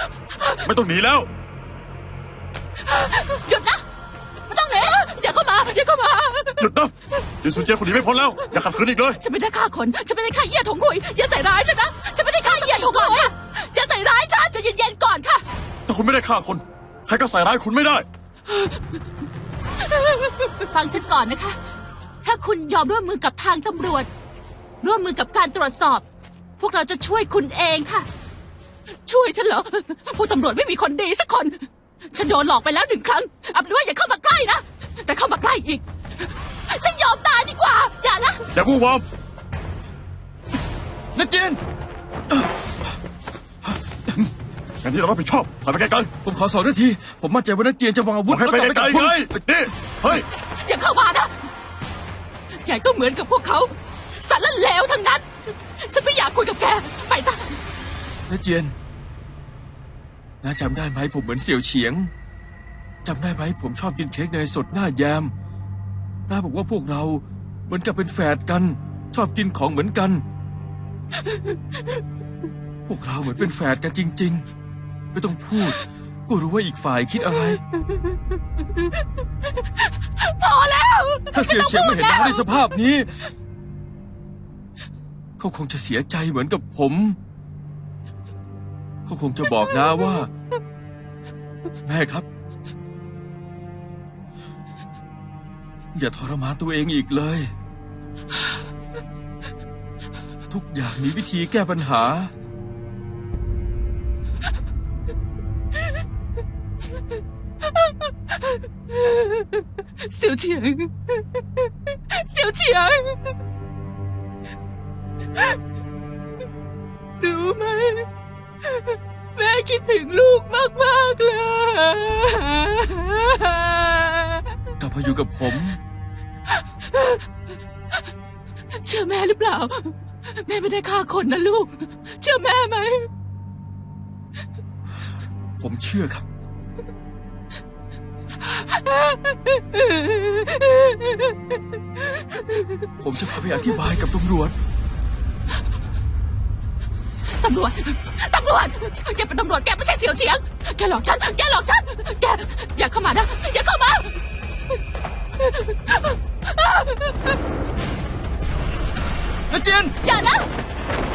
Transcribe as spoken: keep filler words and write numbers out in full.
ไม่ต้องหนีแล้วหยุดนะไม่ต้องหนีอย่าเข้ามาอย่าเข้ามาหยุดนะยินซูเจียคนหนีไม่พ้นแล้วอย่าขัดขืนอีกเลยฉันไม่ได้ฆ่าคนฉันไม่ได้ฆ่าเยี่ยถงคุยอย่าใส่ร้ายฉันนะฉันไม่ได้ฆ่าเยี่ยถงคุยอย่าใส่ร้ายฉันจะเย็นๆก่อนค่ะถ้าคุณไม่ได้ฆ่าคนใครก็ใส่ร้ายคุณไม่ได้ฟังฉันก่อนนะคะ ถ้าคุณยอมร่วมมือกับทางตำรวจ ร่วมมือกับการตรวจสอบ พวกเราจะช่วยคุณเองค่ะ ช่วยฉันเหรอพวกตำรวจไม่มีคนดีสักคน ฉันโดนหลอกไปแล้วหนึ่งครั้งเอาเป็นว่าอย่าเข้ามาใกล้นะแต่เข้ามาใกล้อีก ฉันยอมตายดีกว่า อย่านะอย่าวู่วามนักเจียนอย่างนี้เรารับผิดชอบถอยไปไกลผมขอสองนาที ผมมั่นใจว่านักเจียนจะวางอาๆบวุอธกให้ไปแล้วไกลกลับๆไงคุณนี่เฮ้ยอย่าเข้ามานะแกก็เหมือนกับพวกเขาสารเลวทั้งนั้น ฉันไม่อยากคุยกับแก ไปซะนักเจียนน้าจำได้ไหมผมเหมือนเสี่ยวเฉียงจำได้ไหมผมชอบกินเค้กเนยสดหน้าแยมน้าบอกว่าพวกเราเหมือนกับเป็นแฝดกัน ชอบกินของเหมือนกัน พวกเราเหมือนเป็นแฝดกันจริง ๆ ไม่ต้องพูดก็รู้ว่าอีกฝ่ายคิดอะไรพอแล้วถ้าเสี่ยวเฉียงไม่เห็นต้น้าองพูดในสภาพนี้ เขาคงจะเสียใจเหมือนกับผม เขาคงจะบอกน้าว่า แม่ครับ อย่าทรมานตัวเองอีกเลย ทุกอย่างมีวิธีแก้ปัญหาเสี่ยวเฉียงเสี่ยวเฉียงรู้ไหมแม่คิดถึงลูกมากๆเลยกลับมาอยู่กับผมเชื่อแม่หรือเปล่า แม่ไม่ได้ฆ่าคนนะลูก เชื่อแม่ไหมผมเชื่อครับ ผมจะพาไปอธิบายกับตำรวจตำรวจ ตำรวจ แกเป็นตำรวจ แกไม่ใช่เสี่ยวเฉียง แกหลอกฉัน แกหลอกฉัน แก อย่าเข้ามานะ อย่าเข้ามานักเจียนอย่านะ